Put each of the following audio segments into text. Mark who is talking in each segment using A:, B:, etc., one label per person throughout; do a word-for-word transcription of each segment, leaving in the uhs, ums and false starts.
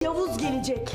A: Yavuz gelecek.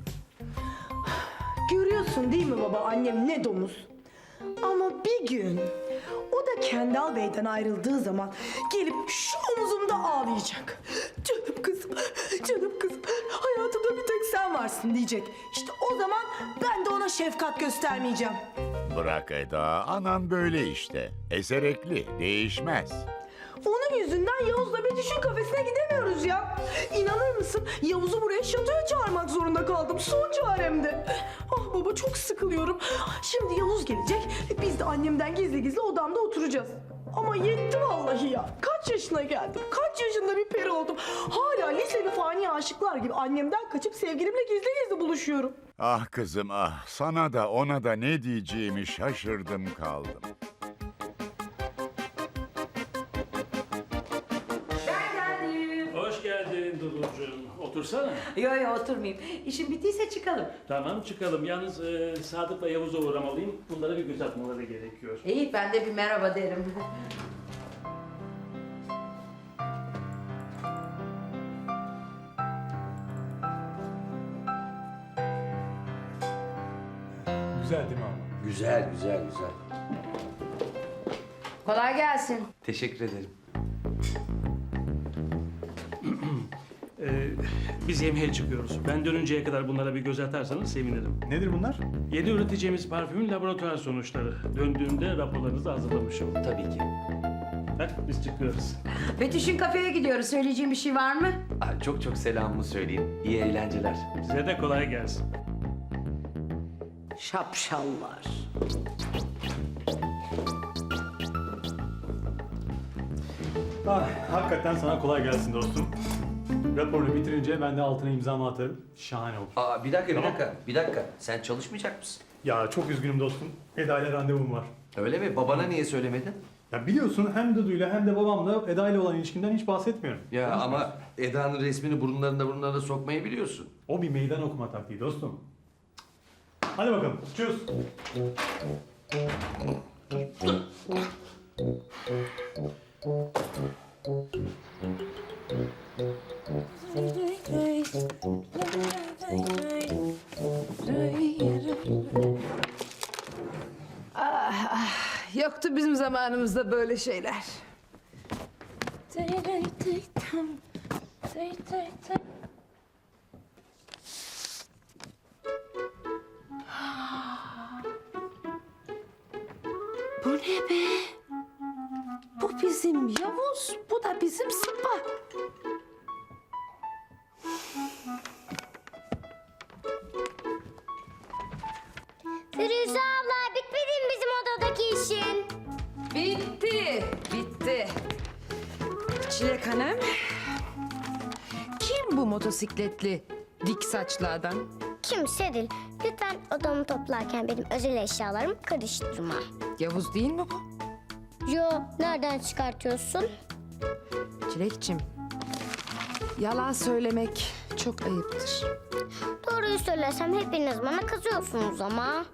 A: Görüyorsun değil mi baba, annem ne domuz. Ama bir gün o da Kendal Bey'den ayrıldığı zaman gelip şu omuzumda ağlayacak. Canım kızım, canım kızım, hayatımda bir tek sen varsın diyecek. İşte o zaman ben de ona şefkat göstermeyeceğim.
B: Bırak Eda, anan böyle işte. Eserekli, değişmez.
A: Onun yüzünden Yavuz'la bir düşün kafesine gidemiyoruz ya. İnanır mısın? Yavuz'u buraya şatoya çağırmak zorunda kaldım. Son çaremdi. Ah baba, çok sıkılıyorum. Şimdi Yavuz gelecek. Biz de annemden gizli gizli odamda oturacağız. Ama yetti vallahi ya. Kaç yaşına geldim? Kaç yaşında bir peri oldum? Hala liseli fani aşıklar gibi annemden kaçıp sevgilimle gizli gizli buluşuyorum.
B: Ah kızım ah, sana da ona da ne diyeceğimi şaşırdım kaldım.
C: Hoş geldin Duducuğum. Otursana.
D: Yo yo oturmayayım. İşim bittiyse çıkalım.
C: Tamam çıkalım. Yalnız e, Sadık'la Yavuz'a uğramalıyım. Bunlara bir göz atmaları gerekiyor.
D: İyi ben de bir merhaba derim.
E: Güzel değil mi ama?
F: Güzel, güzel, güzel.
D: Kolay gelsin.
F: Teşekkür ederim.
C: Ee, biz yemeğe çıkıyoruz. Ben dönünceye kadar bunlara bir göz atarsanız sevinirim.
E: Nedir bunlar?
C: Yeni üreteceğimiz parfümün laboratuvar sonuçları. Döndüğümde raporlarınızı hazırlamışım.
F: Tabii ki.
C: Hadi biz çıkıyoruz.
D: Betüş'ün kafeye gidiyoruz. Söyleyeceğim bir şey var mı?
F: Aa, çok çok selamımı söyleyin. İyi eğlenceler.
C: Size de kolay gelsin.
D: Şapşallar.
E: Ah, hakikaten sana kolay gelsin dostum. Raporunu bitirince ben de altına imzamı atarım. Şahane olur.
F: Aa, bir dakika, bir
E: Tamam.
F: dakika, bir dakika. Sen çalışmayacak mısın?
E: Ya çok üzgünüm dostum. Eda ile randevum var.
F: Öyle mi? Babana niye söylemedin?
E: Ya biliyorsun hem Dudu'yla hem de babamla Eda ile olan ilişkinden hiç bahsetmiyorum.
F: Ya ama Eda'nın resmini burunlarına burunlarına sokmayı biliyorsun.
E: O bir meydan okuma taktiği dostum. Hadi bakalım. Çöz.
G: Yoktu bizim zamanımızda böyle şeyler. Bu ne be? Bu bizim Yavuz, bu da bizim Sıpa.
H: Firuze abla, bitmedi mi bizim odadaki işin?
G: Bitti, bitti. Çilek Hanım, kim bu motosikletli dik saçlı adam?
H: Kimse değil. Lütfen odamı toplarken benim özel eşyalarımı karıştırma.
G: Yavuz değil mi bu?
H: Yo, nereden çıkartıyorsun?
G: Çilekçim, yalan söylemek çok ayıptır.
H: Doğruyu söylesem hepiniz bana kızıyorsunuz ama.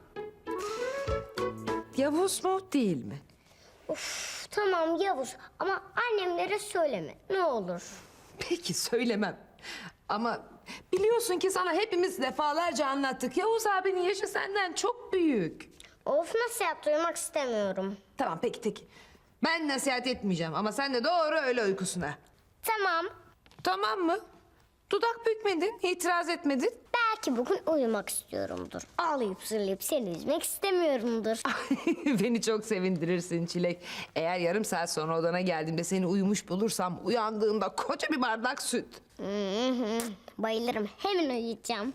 G: Yavuz mu değil mi?
H: Uf, tamam Yavuz ama annemlere söyleme ne olur.
G: Peki söylemem. Ama biliyorsun ki sana hepimiz defalarca anlattık. Yavuz abinin yaşı senden çok büyük.
H: Of, nasihat duymak istemiyorum.
G: Tamam peki peki. Ben nasihat etmeyeceğim ama sen de doğru öyle uykusuna.
H: Tamam,
G: Tamam mı? Dudak bükmedin, itiraz etmedin.
H: belki bugün uyumak istiyorumdur. Ağlayıp zırlayıp seni üzmek istemiyorumdur.
G: Beni çok sevindirirsin Çilek. Eğer yarım saat sonra odana geldiğimde seni uyumuş bulursam uyandığında koca bir bardak süt.
H: Hı hı, bayılırım, hemen uyuyacağım.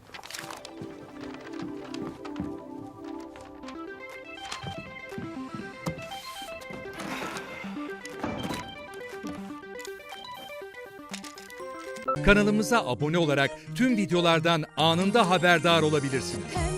I: Kanalımıza abone olarak tüm videolardan anında haberdar olabilirsiniz.